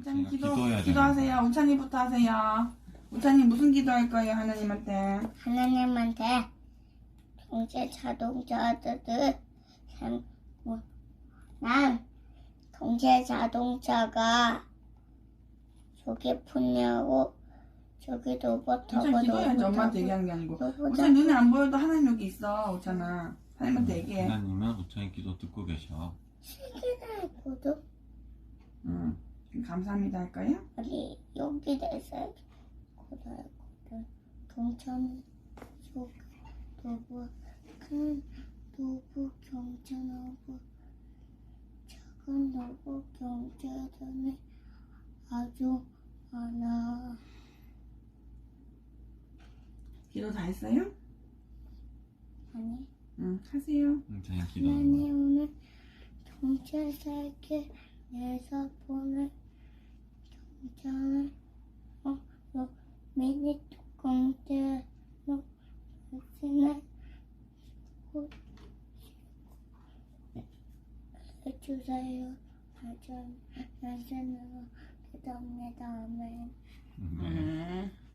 우찬이 기도해야 기도하세요. 우찬이부터 하세요. 우찬이 무슨 기도할 거예요, 하나님한테? 하나님한테 동체 자동차들 난 동체 자동차가 저기 푸냐고 저기 로봇 타고 우찬이 기도해야지. 로봇 엄마한테 타고 얘기한 게 아니고. 로봇 우찬이 눈에 안 보여도 하나님 여기 있어, 우찬아. 하나님한테 얘기해. 하나님은 우찬이 기도 듣고 계셔. 시계가 있거든. 응. 감사합니다 할까요? 우리 여기 대서 고등학교 동천 속 노부 큰 노부 경찰하고 작은 노부 경찰단이 아주 많아. 기도 다 했어요? 아니 응, 하세요. 우찬이 하나님 기도하는 오늘 경찰 살게 내서 보내 경찰을 미니 뚜껑들 당신을 해주세요. 하전, 하전으로 기도합니다. 아멘. 네.